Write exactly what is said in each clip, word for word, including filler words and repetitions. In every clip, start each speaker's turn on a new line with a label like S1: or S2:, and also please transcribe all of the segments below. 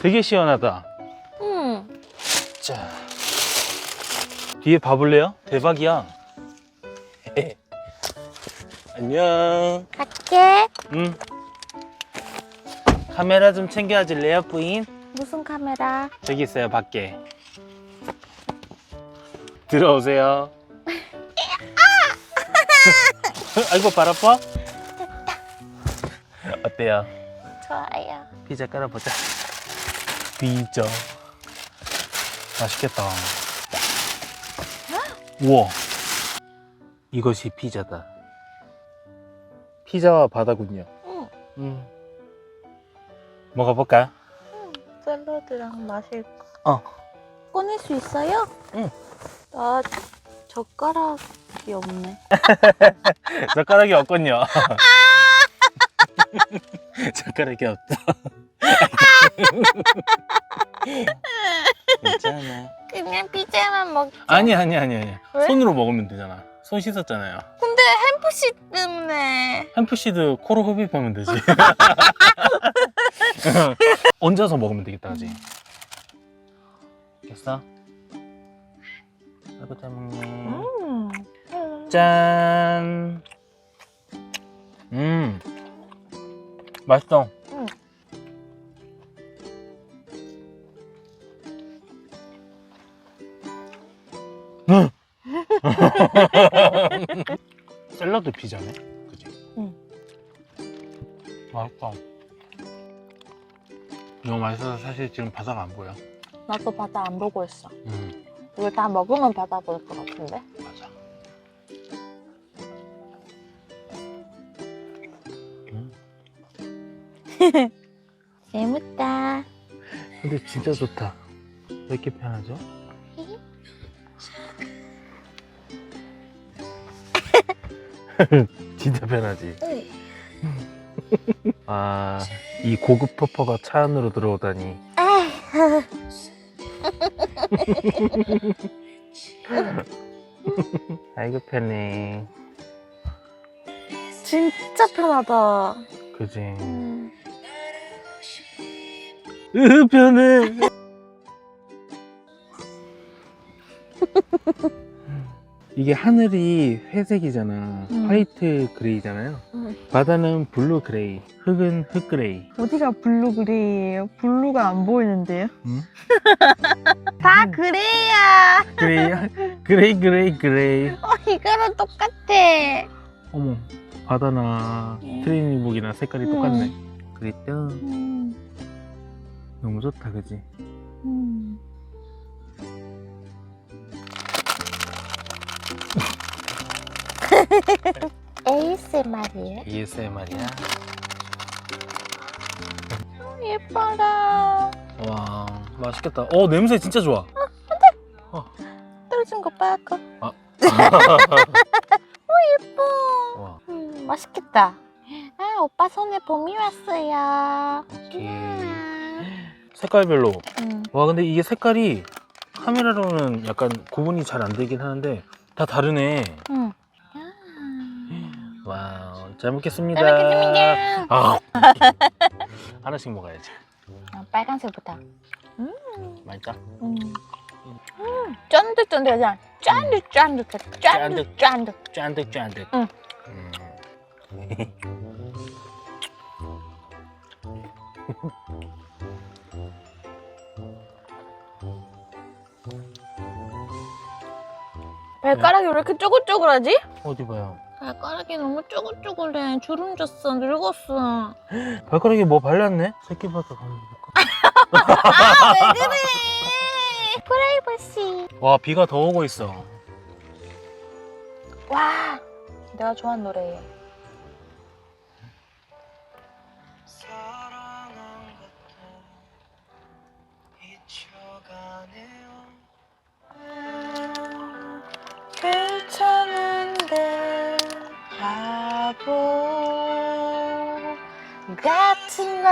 S1: 되게 시원하다.
S2: 응.
S1: 자, 뒤에 봐볼래요? 대박이야. 안녕.
S2: 갈게.
S1: 응. 카메라 좀 챙겨줄래요, 부인?
S2: 무슨 카메라?
S1: 저기 있어요, 밖에. 들어오세요. 아이고, 발 아파? 어때요?
S2: 좋아요.
S1: 피자 깔아보자. 피자. 맛있겠다. 우와. 이것이 피자다. 피자와 바다군요.
S2: 응.
S1: 음. 먹어볼까?
S2: 응. 샐러드랑 마실 거.
S1: 어.
S2: 꺼낼 수 있어요?
S1: 응.
S2: 나 젓가락이 없네.
S1: 젓가락이 없군요. 젓가락이 없어. 괜찮아.
S2: 그냥 피자만 먹자.
S1: 아니 아니 아니 아니.
S2: 왜?
S1: 손으로 먹으면 되잖아. 손 씻었잖아요.
S2: 근데 햄프시 때문에.
S1: 햄프시드 코로 흡입하면 되지. 얹어서 먹으면 되겠다, 그지? 됐어? 아이고 잘 먹네.
S2: 음.
S1: 짠. 음. 맛있어.
S2: 응.
S1: 응. 샐러드 피자네, 그지?
S2: 응.
S1: 맛있다. 너무 맛있어서 사실 지금 바다가 안 보여.
S2: 나도 바다 안 보고 있어.
S1: 음,
S2: 이거 다 먹으면 바다 보일 것 같은데?
S1: 맞아. 음.
S2: 재밌다.
S1: 근데 진짜 좋다. 왜 이렇게 편하죠? 진짜 편하지?
S2: 응.
S1: 아, 이 고급 토퍼가 차 안으로 들어오다니. 아이고 편해.
S2: 진짜 편하다.
S1: 그지?
S2: 음.
S1: 으 편해. 이게 하늘이 회색이잖아.
S2: 음.
S1: 화이트 그레이잖아요.
S2: 음.
S1: 바다는 블루 그레이, 흙은 흙 그레이.
S2: 어디가 블루 그레이예요? 블루가 안 보이는데요?
S1: 응?
S2: 다 그레이야.
S1: 그레이, 그레이, 그레이, 그레이.
S2: 어, 이거랑 똑같아.
S1: 어머, 바다나
S2: 음.
S1: 트레이닝복이나 색깔이
S2: 음.
S1: 똑같네. 그랬죠?
S2: 음.
S1: 너무 좋다, 그지?
S2: 음. 에이에스엠알이에요?
S1: 에이에스엠알이야.
S2: 예뻐라.
S1: 와, 맛있겠다. 어, 냄새 진짜 좋아.
S2: 떨어진 거 빨까?
S1: 아.
S2: 어, 예뻐.
S1: 와,
S2: 음, 맛있겠다. 아, 오빠 손에 봄이 왔어요.
S1: 오케이.
S2: 음.
S1: 색깔별로.
S2: 음.
S1: 와, 근데 이게 색깔이 카메라로는 약간 구분이 잘 안 되긴 하는데 다 다르네.
S2: 음.
S1: 와우, 잘 먹겠습니다.
S2: 잘 먹겠습니다.
S1: 아, 하나씩 먹어야지.
S2: 아, 빨간색부터. 음.
S1: 맛있다.
S2: 음. 음. 쫀득쫀득하잖아. 쫀득쫀득해. 쫀득쫀득.
S1: 짠득짠득.
S2: 응.
S1: 음.
S2: 발가락이 왜 이렇게 쪼글쪼글하지?
S1: 어디 봐요.
S2: 발가락이 너무 쪼글쪼글해. 주름 졌어. 늙었어.
S1: 발가락에 뭐 발랐네? 새끼발가락 한번 볼까?
S2: 아, 왜 그래? 프라이버시.
S1: 와, 비가 더 오고 있어.
S2: 와, 내가 좋아하는 노래예요. 괜찮은데 바보 같은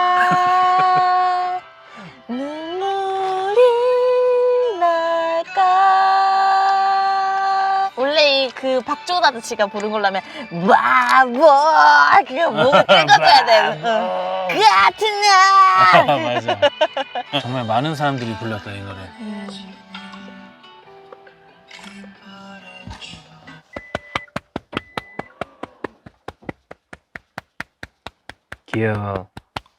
S2: 날 눈물이 날까. 원래 이 그 박조은 아저씨가 부른 걸로 하면 바보 그거 목을 긁어줘야 돼. 응. 같은 날
S1: 맞아. 정말 많은 사람들이 불렀다 이 노래.
S2: 음.
S1: 귀여워.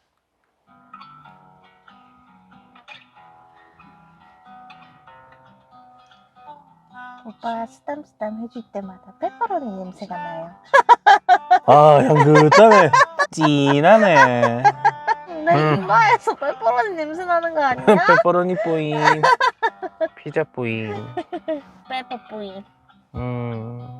S2: 오빠가 쓰담쓰담 해줄 때마다 페퍼로니 냄새가 나요.
S1: 아 향긋하네. 진하네.
S2: 내
S1: 음.
S2: 이마에서 페퍼로니 냄새 나는 거 아니야?
S1: 페퍼로니 뿌잉. 피자 뿌잉.
S2: 페퍼 뿌이.
S1: 음.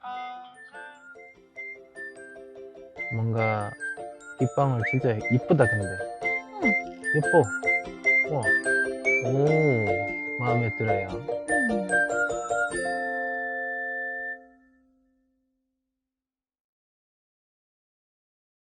S1: 뭔가 이 빵은 진짜 이쁘다 근데.
S2: 응.
S1: 예뻐. 와. 오 마음에 들어요.
S2: 음.